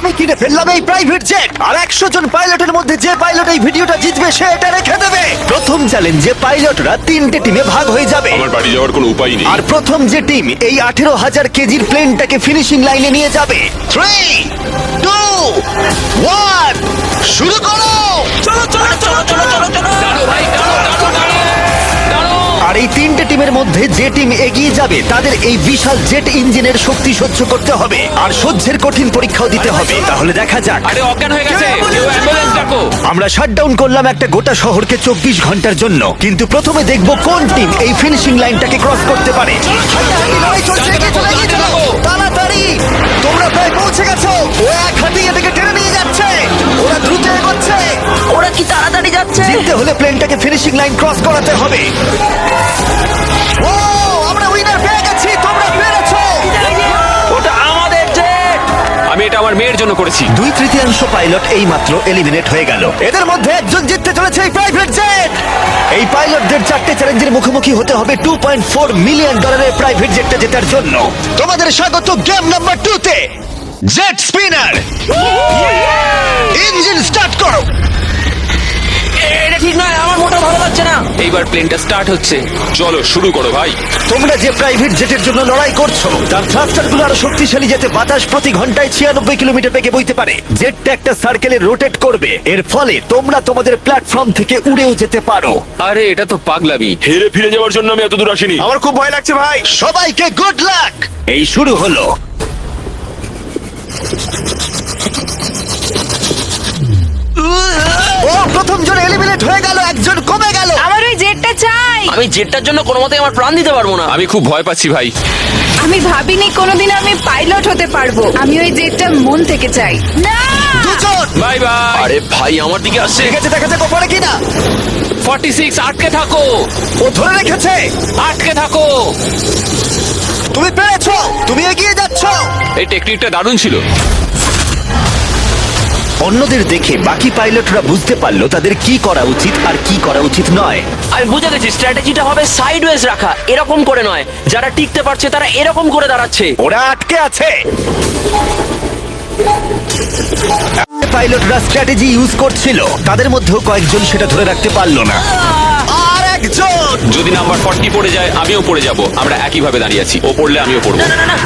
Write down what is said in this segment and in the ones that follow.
আমি কিনে ফেললাম এই প্রাইভেট জেট আর 100 জন পাইলটের মধ্যে যে পাইলট এই ভিডিওটা জিতবে সে এটা রেখে দেবে। প্রথম চ্যালেঞ্জে পাইলটরা 3টে টিমে ভাগ হয়ে যাবে আমার বাড়ি যাওয়ার কোনো উপায় নেই। আর প্রথম যে টিম এই 18,000 কেজির প্লেনটাকে ফিনিশিং লাইনে নিয়ে যাবে। 3, 2, 1 শুরু করো। আর এই 3টে টিমের মধ্যে যে টিম এগিয়ে যাবে তাদের এই বিশাল জেট ইঞ্জিনের শক্তি সহ্য করতে হবে আর সহ্যের কঠিন পরীক্ষাও দিতে হবে। তাহলে দেখা যাক। আরে অজ্ঞান হয়ে গেছে, কেউ অ্যাম্বুলেন্স ডাকো। আমরা শাটডাউন করলাম একটা গোটা শহরকে 24 ঘন্টার জন্য, কিন্তু প্রথমে দেখব কোন টিম এই ফিনিশিং লাইনটাকে ক্রস করতে পারে। তাড়াতাড়ি, তোমরা প্রায় পৌঁছে গেছো। ও এক হাতে এটাকে টেনে নিয়ে যাচ্ছে, ওরা দ্রুত এগোচ্ছে। ওরা কি তাড়াতাড়ি যাচ্ছে? জিততে হলে প্লেনটাকে ফিনিশিং লাইন ক্রস করাতে হবে। ও, আমরা উইনার পেয়ে গেছি, তোমরা পেরেছো। ওটা আমাদের জেট। আমি এটা আমার মেয়ের জন্য করেছি। 2/3 পাইলট এইমাত্র এলিমিনেট হয়ে গেল। এদের মধ্যে একজন জিততে চলেছে এই প্রাইভেট জেট। এই পাইলটদের 4টে চ্যালেঞ্জের মুখোমুখি হতে হবে $2.4 মিলিয়ন প্রাইভেট জেটটা জেতার জন্য। তোমাদের স্বাগত গেম নাম্বার 2 তে। জেট স্পিনার, ইঞ্জিন স্টার্ট করো। এটা ঠিক নয়, আমার মোটা ভালো লাগছে না। এইবার প্লেনটা স্টার্ট হচ্ছে। চলো শুরু করো ভাই। তোমরা যে প্রাইভেট জেটের জন্য লড়াই করছো তার থ্রাস্টারগুলো আরো শক্তিশালী, যাতে বাতাস প্রতি ঘন্টায় 96 কিলোমিটার বেগে বইতে পারে। জেটটা একটা সার্কেলে রোটেট করবে, এর ফলে তোমরা তোমাদের প্ল্যাটফর্ম থেকে উড়েও যেতে পারো। আরে এটা তো পাগলামি। হেরে ফিরে যাওয়ার জন্য আমি এত দূর আসিনি। আমার খুব ভয় লাগছে ভাই। সবাইকে গুড লাক। এই শুরু হলো। ও, প্রথম জন এলিমিনেট হয়ে গেল, একজন কমে গেল। আমার ওই জেটটা চাই। আমি জেটটার জন্য কোনো মতে আমার প্রাণ দিতে পারবো না। আমি খুব ভয় পাচ্ছি ভাই। আমি ভাবিনি কোনোদিন আমি পাইলট হতে পারবো। আমি ওই জেটটা মন থেকে চাই। না, দুজন। Bye bye. আরে ভাই আমার দিকে আসছে। ঠিক আছে, দেখা যাক ও পারে কিনা। 46 আটকে থাকো, ও ধরে রেখেছে। আটকে থাকো। তুমি পেরেছো, তুমি এগিয়ে যাচ্ছ। এই টেকনিকটা দারুণ ছিল। অন্যদের দেখে বাকি পাইলটরা বুঝতে পারলো তাদের কি করা উচিত আর কি করা উচিত নয়। আমি বুঝে গেছি, স্ট্র্যাটেজিটা হবে সাইডওয়েজ রাখা, এরকম করে নয়। যারা টিকতে পারছে তারা এরকম করে দাঁড়াচ্ছে। ওরা আটকে আছে। পাইলটরা স্ট্র্যাটেজি ইউজ করছিল, তাদের মধ্যেও কয়েকজন সেটা ধরে রাখতে পারলো না। আর একজন। যদি নাম্বার 40 পড়ে যায় আমিও পড়ে যাব। আমরা একই ভাবে দাঁড়িয়ে আছি, ও পড়লে আমিও পড়বো।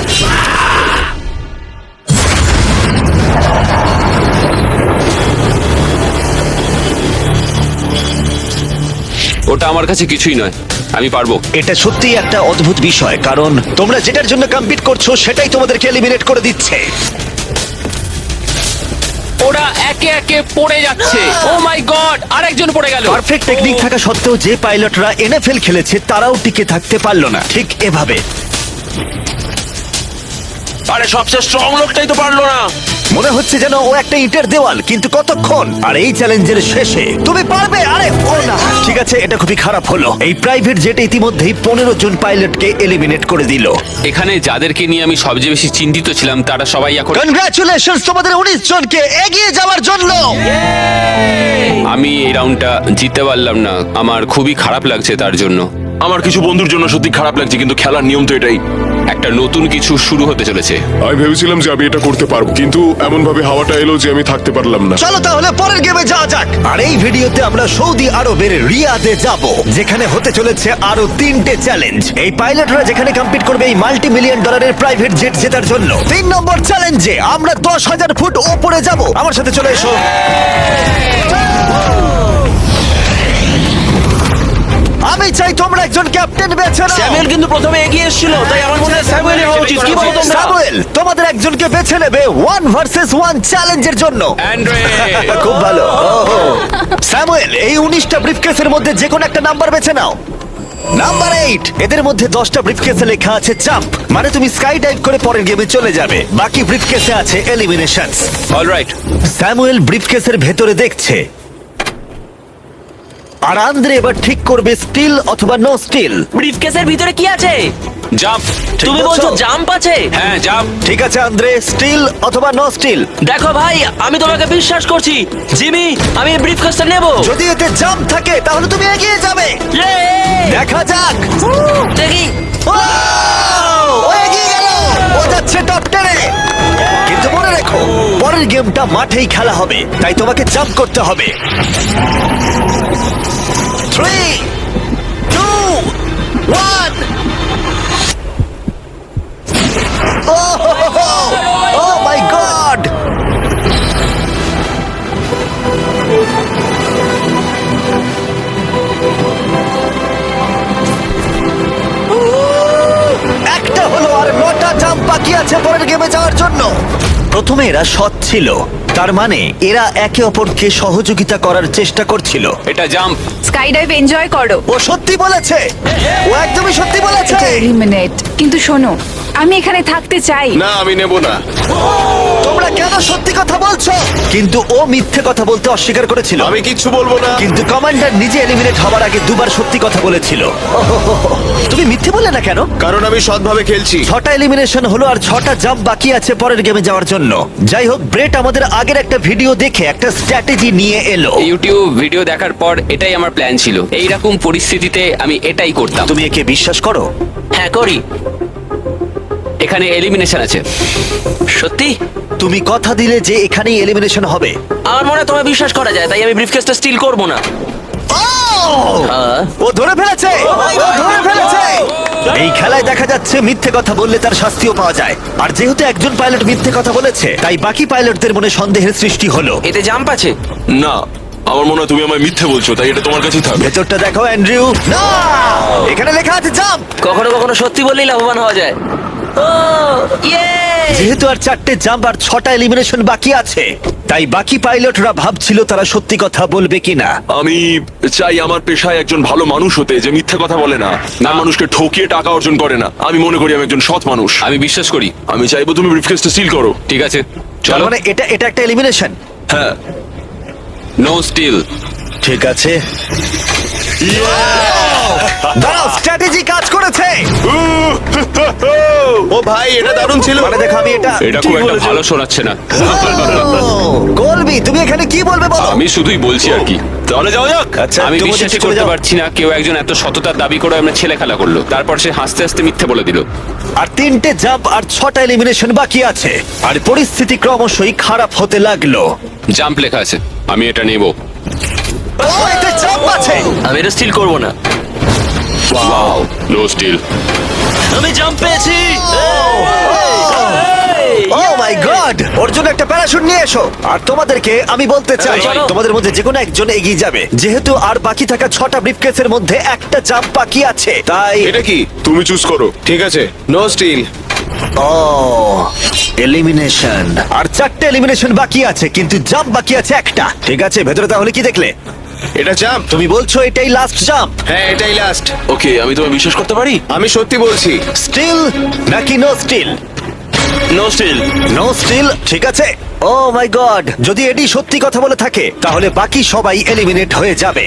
ওটা আমার কাছে কিছুই নয়, আমি পারবো। এটা সত্যিই একটা অদ্ভুত বিষয়, কারণ তোমরা যেটার জন্য কম্পিট করছো সেটাই তোমাদেরকে এলিমিনেট করে দিচ্ছে। ওরা একে একে পড়ে যাচ্ছে। ও মাই গড, আরেকজন পড়ে গেল। পারফেক্ট টেকনিক থাকা সত্ত্বেও যে পাইলটরা এনএফএল খেলেছে তারাও টিকে থাকতে পারলো না ঠিক এভাবে। আরে সবচেয়ে স্ট্রং লোকটাই তো পারলো না। মনে হচ্ছে যেন ও একটা ইটের দেওয়াল, কিন্তু কতক্ষণ। আর এই চ্যালেঞ্জের শেষে তুমি পারবে। আরে ও না, ঠিক আছে, এটা খুবই খারাপ হলো। এই প্রাইভেট জেট ইতিমধ্যেই 15 জন পাইলটকে এলিমিনেট করে দিল। এখানে যাদেরকে নিয়ে আমি সবচেয়ে বেশি চিন্তিত ছিলাম তারা সবাই এখন। কনগ্রাচুলেশনস তোমাদের 19 জনকে এগিয়ে যাওয়ার জন্য। আমি এই রাউন্ডটা জিততে পারলাম না, আমার খুবই খারাপ লাগছে তার জন্য। আমার কিছু বন্ধুর জন্য সত্যি খারাপ লাগছে, কিন্তু খেলার নিয়ম তো এটাই। একটা নতুন কিছু শুরু হতে চলেছে। আমি ভেবেছিলাম যে আমি এটা করতে পারবো, কিন্তু এমন ভাবে হাওয়াটা এলো যে আমি থাকতে পারলাম না। চলো তাহলে পরের গেমে যাওয়া যাক। আর এই ভিডিওতে আমরা সৌদি আরবের রিয়াদে যাব, যেখানে হতে চলেছে আরো 3টে চ্যালেঞ্জ। এই পাইলটরা যেখানে কম্পিট করবে এই $multi-million প্রাইভেট জেট জেতার জন্য। 3 নম্বর চ্যালেঞ্জে আমরা 10,000 ফুট ওপরে যাব। আমার সাথে চলে এসো। আমি চাই তোমরা একজন ক্যাপ্টেন বেছে নাও। স্যামুয়েল কিন্তু প্রথমে এগিয়ে এসেছিল, তাই আমার মনে হয় স্যামুয়েল হওয়া উচিত। কি বলো তোমরা? স্যামুয়েল, তোমাদের একজনকে বেছে নেবে 1 ভার্সেস 1 চ্যালেঞ্জের জন্য। অ্যান্ড্রে, খুব ভালো। ওহো। স্যামুয়েল, এই 19টা ব্রিফকেসের মধ্যে যে কোনো একটা নাম্বার বেছে নাও। নাম্বার 8। এদের মধ্যে 10টা ব্রিফকেসে লেখা আছে জাম্প, মানে তুমি স্কাই ডাইভ করে পরের গেমে চলে যাবে। বাকি ব্রিফকেসে আছে এলিমিনেশনস। অলরাইট। স্যামুয়েল ব্রিফকেসের ভেতরে দেখছে, আর আন্দ্রে এবার ঠিক করবে স্টিল অথবা নো স্টিল। ব্রিফকেসের ভিতরে কি আছে? জাম্প। তুমি বলছো জাম্প আছে? হ্যাঁ জাম্প। ঠিক আছে আন্দ্রে, স্টিল অথবা নো স্টিল। দেখো ভাই, আমি তোমাকে বিশ্বাস করছি। জিমি, আমি ব্রিফকেসটা নেব। যদি এতে জাম্প থাকে তাহলে তুমি এগিয়ে যাবে। দেখা যাক। দেখি। ও এগিয়ে গেল, ও যাচ্ছে টপ 10-এ। কিন্তু মনে রেখো, পরের পরের গেমটা মাঠেই খেলা হবে, তাই তোমাকে জাম্প করতে হবে। 3, 2, 1। Oh my God! একটা হলো, আর 9টা জাম্প বাকি আছে পরের গেমে যাওয়ার জন্য। প্রথমে এরা সৎ ছিল, তার মানে এরা একে অপরকে সহযোগিতা করার চেষ্টা করছিল। এটা জাম্প। স্কাই ডাইভ এনজয় করো। ও সত্যি বলেছে, ও একদমই সত্যি বলেছে। এলিমিনেট। কিন্তু শোনো, আমি এখানে থাকতে চাই। না আমি নেব না। তোমরা কেন সত্যি কথা বলছো? কিন্তু ও মিথ্যে কথা বলতে অস্বীকার করেছিল। আমি কিচ্ছু বলবো না। কিন্তু কমান্ডার নিজে এলিমিনেট হওয়ার আগে দুবার সত্যি কথা বলেছিল। ওহোহোহো। তুমি মিথ্যে বললে না কেন? কারণ আমি সৎভাবে খেলছি। 6টা এলিমিনেশন হলো আর 6টা জাম্প বাকি আছে পরের গেমে যাওয়ার জন্য। যাই হোক, ব্রেট আমাদের আগের একটা ভিডিও দেখে একটা স্ট্র্যাটেজি নিয়ে এলো। ইউটিউব ভিডিও দেখার পর এটাই আমার প্ল্যান ছিল। এইরকম পরিস্থিতিতে আমি এটাই করতাম। তুমি একে বিশ্বাস করো? হ্যাঁ করি। এখানে এলিমিনেশন আছে। সত্যি? তুমি কথা দিলে যে এখানেই এলিমিনেশন হবে। আমার মনে হয় তোমায় বিশ্বাস করা যায়, তাই আমি ব্রিফকেসটা স্টিল করব না। হ্যাঁ। ও ধরে ফেলেছে, ও ধরে ফেলেছে। এই খেলায় দেখা যাচ্ছে মিথ্যে কথা বললে তার শাস্তিও পাওয়া যায়। আর যেহেতু একজন পাইলট মিথ্যে কথা বলেছে, তাই বাকি পাইলটদের মনে সন্দেহের সৃষ্টি হলো। এতে জাম্প আছে? না, আমার মনে হয় তুমি আমায় মিথ্যে বলছো, তাই এটা তোমার কাছেই থাকবে। ভেতরটা দেখো অ্যান্ড্রিউ। না, এখানে লেখা আছে জাম্প। কখনো কখনো সত্যি বললেই লাভবান হওয়া যায়। ও ইয়ে! যেহেতু আর 4টে জাম্প আর 6টা এলিমিনেশন বাকি আছে, তাই বাকি পাইলটরা ভাবছিল তারা সত্যি কথা বলবে কিনা। আমি চাই আমার পেশায় একজন ভালো মানুষ হতে, যে মিথ্যে কথা বলে না, না মানুষকে ঠকিয়ে টাকা অর্জন করে না। আমি মনে করি আমি একজন সৎ মানুষ। আমি বিশ্বাস করি। আমি চাইবো তুমি ব্রিফকেসটা সিল করো। ঠিক আছে, তার চলো। মানে এটা একটা এলিমিনেশন। হ্যাঁ। No steal. ঠিক আছে, দাঁড়াও, স্ট্র্যাটেজি কাজ করেছে। ও ভাই এটা দারুণ ছিল। মানে দেখো, আমি এটা এটা খুব একটা ভালো শোনাচ্ছে না। কলবি, তুমি এখানে কি বলবে বলো? আমি শুধুই বলছি আর কি। তাহলে যাওয়া যাক। আচ্ছা, আমি তুমি বিশ্বাসই চলে করতে যাও। পারছি না কেউ একজন এত সততার দাবি করে আমরা ছেলে খেলা করলো, তারপর সে হাসতে হাসতে মিথ্যে বলে দিল। আর 3টে জাম্প আর 6টা এলিমিনেশন বাকি আছে, আর পরিস্থিতি ক্রমশই খারাপ হতে লাগলো। জাম্প লেখা আছে, আমি এটা নেব। ও, এতে জাম্প আছে। আমি এটা স্টিল করব না। No steal. আমি জাম্প পেয়েছি। ও মাই গড, ওর জন্য একটা প্যারাশুট নিয়ে এসো। আর তোমাদেরকে আমি বলতে চাই, চলো। তোমাদের মধ্যে যে কোনো একজন এগিয়ে যাবে, যেহেতু আর বাকি থাকা 6টা ব্রিফকেসের মধ্যে একটা জাম্প বাকি আছে, তাই এটা কি? তুমি চুজ করো। ঠিক আছে, নো স্টিল। ও এলিমিনেশন। আর 4টে এলিমিনেশন বাকি আছে, কিন্তু জাম্প বাকি আছে একটা। ঠিক আছে, ভেতরে তাহলে কি দেখলে? এটা জাম্প। তুমি বলছো এটাই লাস্ট জাম্প? হ্যাঁ এটাই লাস্ট। ওকে, আমি তোমায় বিশ্বাস করতে পারি? আমি সত্যি বলছি। স্টিল নাকি no steal? No steal. No steal, ঠিক আছে। ও মাই গড, যদি এডি সত্যি কথা বলে থাকে তাহলে বাকি সবাই এলিমিনেট হয়ে যাবে।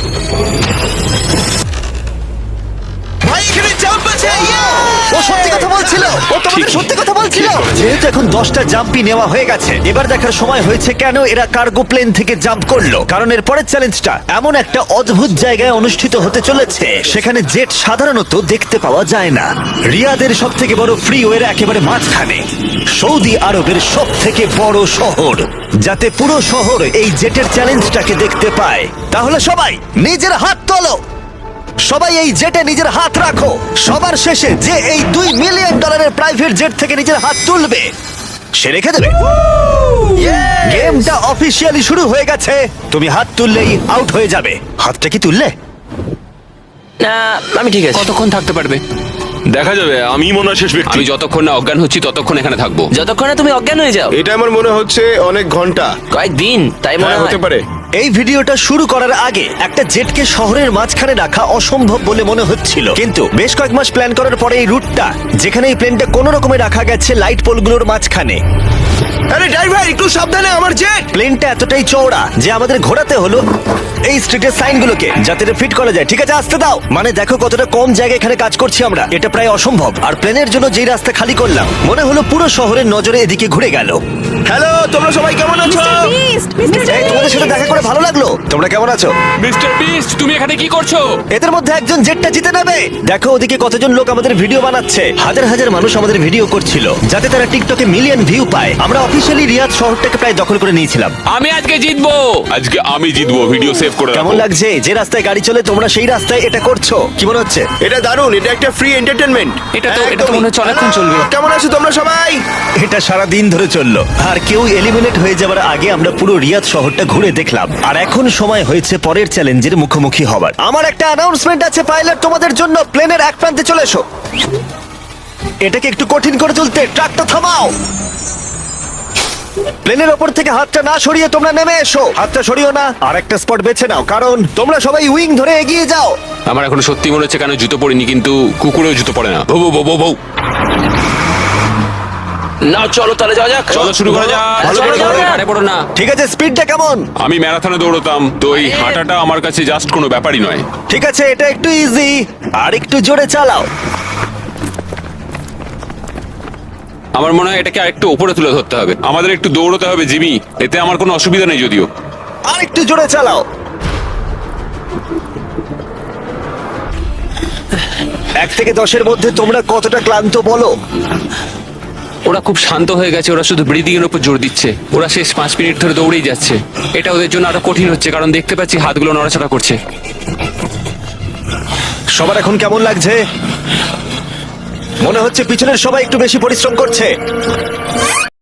ভাই, এখানে জাম্প আছে। ও সত্যি কথা বলছিল, ও তোমাদের সত্যি কথা বলছিল। যেহেতু এখন 10টা জাম্পই নেওয়া হয়ে গেছে, এবার দেখার সময় হয়েছে কেন এরা কার্গো প্লেন থেকে জাম্প করলো। কারণ এর পরের চ্যালেঞ্জটা এমন একটা অদ্ভুত জায়গায় অনুষ্ঠিত হতে চলেছে, সেখানে জেট সাধারণত দেখতে পাওয়া যায় না। রিয়াদের সব থেকে বড় ফ্রিওয়ের একেবারে মাঝখানে, সৌদি আরবের সব থেকে বড় শহর, যাতে পুরো শহর এই জেটের চ্যালেঞ্জটাকে দেখতে পায়। তাহলে সবাই নিজের হাত তোলো, সবাই এই জেটে নিজের হাত রাখো। সবার শেষে যে এই $2 মিলিয়ন প্রাইভেট জেট থেকে নিজের হাত তুলবে, সে রেখে দেবে। গেমটা অফিসিয়ালি শুরু হয়ে গেছে। তুমি হাত তুললেই আউট হয়ে যাবে। হাতটা কি তুললে? না, আমি ঠিক আছে। কতক্ষণ থাকতে পারবে? দেখা যাবে, আমি মনে হয় শেষ ব্যক্তি। আমি যতক্ষণ না অজ্ঞান হচ্ছি ততক্ষণ এখানে থাকবো। যতক্ষণে তুমি অজ্ঞান হয়ে যাও। এটা আমার মনে হচ্ছে অনেক ঘন্টা। কয়েকদিন, তাই মনে হ্যাঁ, হয়। হতে পারে। এই ভিডিওটা শুরু করার আগে একটা জেটকে শহরের মাঝখানে রাখা অসম্ভব বলে মনে হচ্ছিল, কিন্তু বেশ কয়েক মাস প্ল্যান করার পরে এই রুটটা, যেখানে এই প্লেনটা কোনো রকমে রাখা গেছে লাইট পোলগুলোর মাঝখানে। আরে ড্রাইভার একটু সাবধানে, আমার জেট। প্লেনটা এতটাই চওড়া যে আমাদের ঘোরাতে হলো এই স্ট্রিটের সাইনগুলোকে, যাতে এটা ফিট করা যায়। ঠিক আছে, আসতে দাও। মানে দেখো কতটা কম জায়গায় এখানে কাজ করছি আমরা, এটা প্রায় অসম্ভব। আর প্লেনের জন্য যেই রাস্তা খালি করলাম, মনে হলো পুরো শহরের নজরে এদিকে ঘুরে গেল। হ্যালো, তোমরা সবাই কেমন আছো? এই, তোমাদের সাথে দেখা করে ভালো লাগলো। তোমরা কেমন আছো? মিস্টার বিস্ট তুমি এখানে কি করছো? এদের মধ্যে একজন জেটটা জিতে নেবে। দেখো ওদিকে কতজন লোক আমাদের ভিডিও বানাচ্ছে। হাজার হাজার মানুষ আমাদের ভিডিও করছিল যাতে তারা টিকটকে মিলিয়ন ভিউ পায়। আমরা অফিসিয়ালি রিয়াদ শহরটাকে প্রায় দখল করে নিয়েছিলাম। আমি আজকে জিতবো। আজকে আমি জিতবো, ভিডিও সেভ করে রাখো। কেমন লাগছে যে রাস্তায় গাড়ি চলে তোমরা সেই রাস্তায় এটা করছো? কি মনে হচ্ছে? এটা দারুণ, এটা একটা ফ্রি এন্টারটেনমেন্ট। এটা তো মনে হচ্ছে অনেকক্ষণ চলবে। কেমন আছো তোমরা সবাই? এটা সারা দিন ধরে চললো আর কেউ এলিমিনেট হয়ে যাবার আগে আমরা পুরো রিয়াদ শহরটা ঘুরে দেখলাম। আর এখন সময় হয়েছে পরের চ্যালেঞ্জের মুখোমুখি হবার। আমার একটা অ্যানাউন্সমেন্ট আছে পাইলট তোমাদের জন্য। প্লেনের এক প্রান্তে চলে এসো। এটাকে একটু কঠিন করে তুলতে ট্রাকটা থামাও। প্লেনের ওপর থেকে হাতটা না সরিয়ে তোমরা নেমে এসো। হাতটা সরিও না, আর একটা স্পট বেছে নাও কারণ তোমরা সবাই উইং ধরে এগিয়ে যাও। আমার এখন সত্যি মনে হচ্ছে কেন জুতো পরিনি, কিন্তু কুকুরেও জুতো পরে না। বউ বউ বউ বউ। না চলো তাহলে যাওয়া যাক। চলো শুরু করা যাক। ভালো করে চলো, যাও। আরে পড়ো না। ঠিক আছে, স্পিডটা কেমন? আমি ম্যারাথনে দৌড়তাম, তো এই হাঁটাটা আমার কাছে জাস্ট কোনো ব্যাপারই নয়। ঠিক আছে, এটা একটু ইজি। আর একটু জোরে চালাও। আমার মনে হয় এটাকে আরেকটু উপরে তুলে ধরতে হবে। আমাদের একটু দৌড়তে হবে জিমি, এতে আমার কোনো অসুবিধা নেই যদিও। আর একটু জোরে চালাও। 1 থেকে 10-এর মধ্যে তোমরা কতটা ক্লান্ত বলো? ওরা খুব শান্ত হয়ে গেছে, ওরা শুধু ব্রিদিং এর উপর জোর দিচ্ছে। ওরা শেষ 5 মিনিট ধরে দৌড়েই যাচ্ছে। এটা ওদের জন্য আরো কঠিন হচ্ছে, কারণ দেখতে পাচ্ছি হাতগুলো নড়াচড়া করছে। সবার এখন কেমন লাগছে? মনে হচ্ছে পিছনের সবাই একটু বেশি পরিশ্রম করছে।